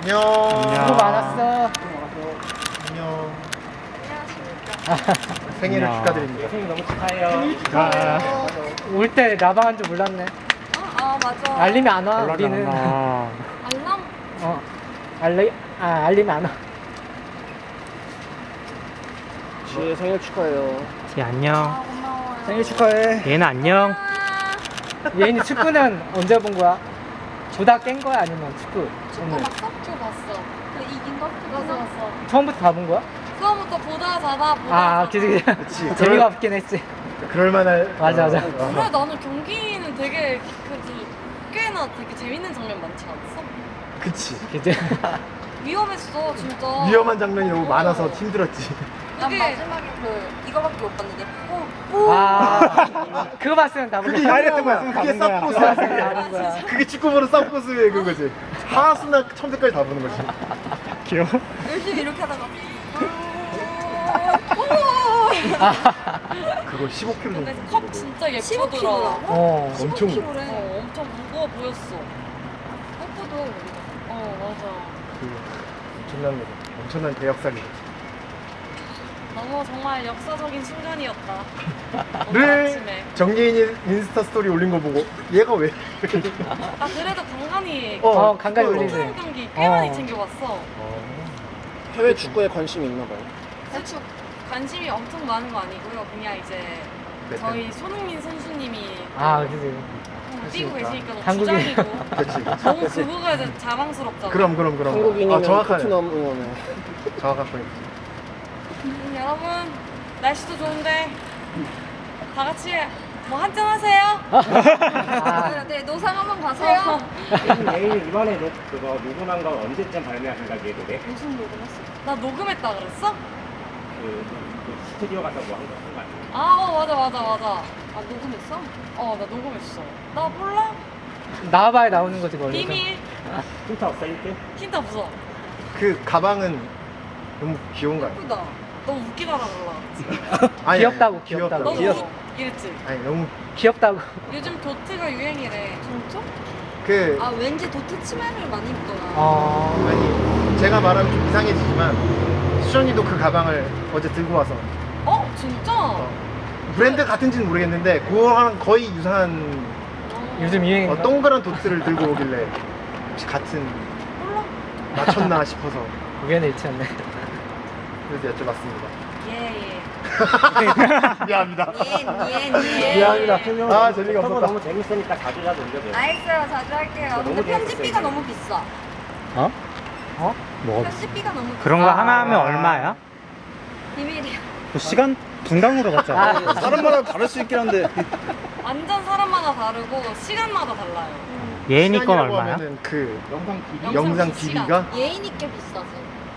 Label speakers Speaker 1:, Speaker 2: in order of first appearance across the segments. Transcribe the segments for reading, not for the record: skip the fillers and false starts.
Speaker 1: 안녕.
Speaker 2: 수고 많았어.
Speaker 1: 안녕.
Speaker 3: 안녕하십니까.
Speaker 1: 생일을 축하드립니다.
Speaker 2: 생일 너무 축하해요. 올 때 라방한 줄 몰랐네.
Speaker 3: 맞아.
Speaker 2: 알림이 안 와. 우리는.
Speaker 3: 알람?
Speaker 2: 알림이 안 와.
Speaker 4: 지혜 생일 축하해요.
Speaker 5: 지 안녕.
Speaker 3: 고마워요.
Speaker 4: 생일 축하해.
Speaker 5: 얘는 안녕.
Speaker 2: 예인이 축구는 언제 본 거야? 보다 깬 거야 아니면 축구?
Speaker 3: 축구
Speaker 2: 오늘
Speaker 3: 봤어? 축구 봤어. 그 이긴 거? 봤어.
Speaker 2: 처음부터 다 본 거야?
Speaker 3: 처음부터 보다 자다 보다
Speaker 2: 아,
Speaker 3: 자다.
Speaker 2: 그치. 재미가 없긴 했지.
Speaker 1: 그럴만할.
Speaker 2: 맞아.
Speaker 3: 그래 나는 경기는 되게 꽤나 되게 재밌는 장면 많지 않았어?
Speaker 1: 그치.
Speaker 2: 그치.
Speaker 3: 위험했어 진짜.
Speaker 1: 위험한 장면이 너무 많아서 힘들었지.
Speaker 3: 난 마지막에 이거밖에 못 봤는데
Speaker 2: 그거 봤으면 다 본
Speaker 1: 그게
Speaker 2: 거야.
Speaker 1: 하이라이트 거야. 그게 쌉고스.
Speaker 2: 다 본 거야.
Speaker 1: 그게 축구보는 쌉고스의 그거지. 하수나 첨새까지 다 보는 거지.
Speaker 5: 귀여워.
Speaker 3: 열심히 이렇게 하다가
Speaker 1: 그거 15kg 정도.
Speaker 3: 근데 컵 진짜 예쁘더라.
Speaker 1: 엄청.
Speaker 3: 15kg래. 엄청 무거워 보였어. 꽃보도. 맞아.
Speaker 1: 엄청난 대역살이죠.
Speaker 3: 너무 정말 역사적인 순간이었다. 오늘
Speaker 1: 늘
Speaker 3: 아침에.
Speaker 1: 정예인이 인스타 스토리 올린 거 보고 얘가 왜?
Speaker 3: 나 그래도 간간히
Speaker 2: 간간히 올리지.
Speaker 3: 프로 경기 꽤 많이 챙겨봤어.
Speaker 4: 해외 축구에 관심이 있나 봐요.
Speaker 3: 대충 관심이 엄청 많은 거 아니고요. 그냥 이제 저희 손흥민 선수님이
Speaker 2: 그치.
Speaker 3: 뛰고 계시니까 너무
Speaker 2: 한국인.
Speaker 3: 주장이고
Speaker 1: 그치.
Speaker 3: 너무 그거가 이제 자랑스럽잖아.
Speaker 1: 그럼.
Speaker 4: 한국인이면
Speaker 1: 정확하네.
Speaker 4: 토트넘 응원해.
Speaker 1: 정확한 포인트.
Speaker 3: 여러분 날씨도 좋은데 다 같이 뭐 한잔 하세요. 네 노상 한번 가세요.
Speaker 5: 예인이 이번에 그거 녹음한 거 언제쯤 발매하신다 이 노래?
Speaker 3: 무슨 녹음했어? 나 녹음했다 그랬어?
Speaker 5: 그 스튜디오 가서 뭐 한 거 아니야?
Speaker 3: 맞아. 아 녹음했어? 나 녹음했어. 나 몰라.
Speaker 2: 나와봐야 나오는 거지 원래.
Speaker 3: 비밀.
Speaker 5: 힌트 없어 힌트?
Speaker 3: 힌트 없어.
Speaker 1: 그 가방은 너무 귀여운가요?
Speaker 3: 예쁘다. 너무 웃기다라 몰라.
Speaker 1: 아니,
Speaker 2: 귀엽다고,
Speaker 1: 아니,
Speaker 2: 귀엽다고.
Speaker 3: 너무
Speaker 1: 귀엽-
Speaker 3: 이랬지.
Speaker 1: 아니 너무
Speaker 2: 귀엽다고.
Speaker 3: 요즘 도트가 유행이래. 진짜?
Speaker 1: 그
Speaker 3: 왠지 도트 치마를 많이 입더라.
Speaker 1: 아니 제가 말하면 좀 이상해지지만 수정이도 그 가방을 어제 들고 와서
Speaker 3: 진짜?
Speaker 1: 브랜드 같은지는 모르겠는데 그거랑 거의 유사한
Speaker 2: 요즘 유행인가?
Speaker 1: 동그란 도트를 들고 오길래 혹시 같은
Speaker 3: 몰라.
Speaker 1: 맞췄나 싶어서
Speaker 2: 우연의 일치였네.
Speaker 1: 그래서 여쭤봤습니다.
Speaker 3: 예.
Speaker 1: 미안합니다.
Speaker 3: 예.
Speaker 1: 미안합니다. 재미가
Speaker 5: 저거
Speaker 1: 없었다.
Speaker 5: 너무 재밌으니까 자주 올려줘요.
Speaker 3: 알겠어요. 자주 할게요.
Speaker 5: 너무
Speaker 3: 근데 편집비가
Speaker 5: 재밌었어요.
Speaker 3: 너무 비싸.
Speaker 5: 뭐
Speaker 3: 편집비가 너무 비싸.
Speaker 5: 그런 거 하나 하면 얼마야?
Speaker 3: 비밀이야.
Speaker 5: 그 시간 분당으로 받잖아.
Speaker 4: 사람마다 다를 수 있긴 한데.
Speaker 3: 완전 사람마다 다르고 시간마다 달라요.
Speaker 5: 예인이 건
Speaker 1: 시간이라고
Speaker 5: 얼마야?
Speaker 1: 하면은 그
Speaker 3: 영상
Speaker 1: 영상
Speaker 3: 시간.
Speaker 1: 길이가
Speaker 3: 예인이께 비싸지.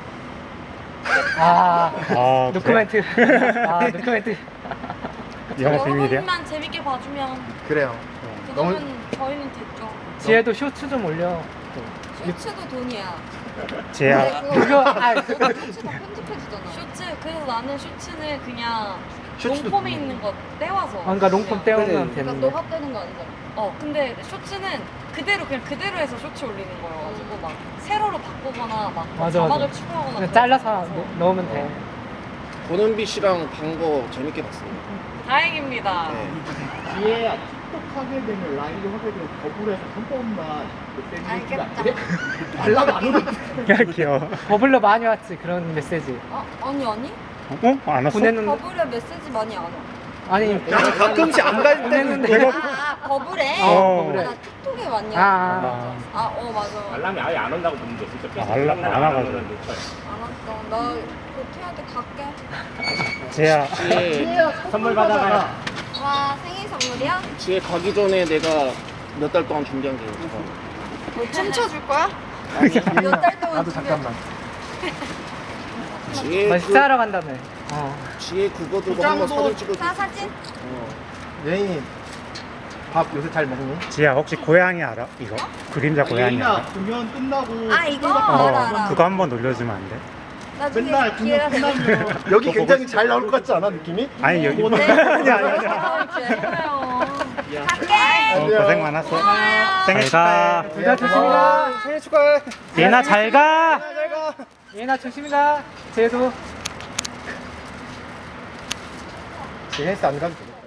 Speaker 2: 노코멘트. 노코멘트.
Speaker 5: 영어 비밀이야?
Speaker 3: 여러분만 재밌게 봐주면
Speaker 1: 그래요. 너무
Speaker 3: 그거면 저희는 됐죠.
Speaker 2: 지혜도 쇼츠 좀 올려.
Speaker 3: 쇼츠도 돈이야.
Speaker 5: 제야.
Speaker 2: 그거
Speaker 3: 쇼츠 다 편집해주잖아. 쇼츠 그래서 나는 쇼츠는 그냥
Speaker 1: 쇼츠도
Speaker 3: 롱폼에
Speaker 1: 돈이야.
Speaker 3: 있는 거 떼와서.
Speaker 2: 그러니까 롱폼 떼우면
Speaker 3: 그러니까
Speaker 2: 되는데.
Speaker 3: 너가 떼는 거 아니잖아. 근데 쇼츠는 그대로 해서 쇼츠 올리는 거여가지고 막 세로로 바꾸거나 막
Speaker 2: 맞아.
Speaker 3: 자막을 추가하거나.
Speaker 2: 그냥
Speaker 3: 그런
Speaker 2: 잘라서
Speaker 3: 거 없어서.
Speaker 2: 넣으면 돼.
Speaker 4: 고는비 씨랑 방거 재밌게 봤습니다.
Speaker 3: 다행입니다.
Speaker 4: 네.
Speaker 1: 뒤에 톡하게 되면 라인을 하게 되면 거부해서 한 번만
Speaker 3: 알겠다.
Speaker 1: 말라고 안 오던데.
Speaker 5: 귀여워.
Speaker 2: 버블러 많이 왔지 그런 메시지.
Speaker 3: 아니.
Speaker 5: 안 왔어?
Speaker 2: 보냈는데
Speaker 3: 버블에 메시지 많이 안 와.
Speaker 2: 아니
Speaker 4: 가끔씩 안 갈 때는
Speaker 2: 보냈는데.
Speaker 3: 버블에?
Speaker 2: 버블에.
Speaker 3: 나 틱톡에 왔냐? 맞아.
Speaker 5: 알람이 아예 안 온다고 보는데 진짜
Speaker 6: 알람 안 와가지고.
Speaker 3: 알았어. 나 고태한테 갈게.
Speaker 5: 제야.
Speaker 4: 지혜,
Speaker 5: 선물 받아가요.
Speaker 3: 와, 생일 선물이야?
Speaker 4: 지혜 가기 전에 내가 몇 달 동안 준비한 게 있어.
Speaker 3: 춤춰줄 거야?
Speaker 4: 아니,
Speaker 3: 몇 달 동안
Speaker 1: 나도 잠깐만.
Speaker 4: 지혜
Speaker 2: 식사하러 간다며.
Speaker 4: 지혜 그거 들고 한번 사진 찍어줘.
Speaker 3: 나 사진?
Speaker 1: 예인이 밥 요새 잘 먹니?
Speaker 5: 지야 혹시 고양이 알아? 이거? 그림자 고양이 알아?
Speaker 1: 공연 끝나고
Speaker 3: 이거? 알아.
Speaker 5: 그거 한번 올려주면 안 돼?
Speaker 3: 나중에
Speaker 1: 맨날
Speaker 3: 기회가
Speaker 1: 공연
Speaker 3: 되면.
Speaker 1: 끝나면 여기 굉장히 잘 나올 것 같지 않아 느낌이?
Speaker 5: 아니 여기
Speaker 3: 네.
Speaker 5: 아니
Speaker 3: 죄송해요. 갈게.
Speaker 6: 고생 많았어. 생일 축하해.
Speaker 2: 둘 다 조심히 가.
Speaker 1: 생일 축하해.
Speaker 6: 예나 잘 가.
Speaker 1: 잘 가.
Speaker 2: 예나 조심히 가. 쟤도.
Speaker 1: 제 헬스 안 가도 돼.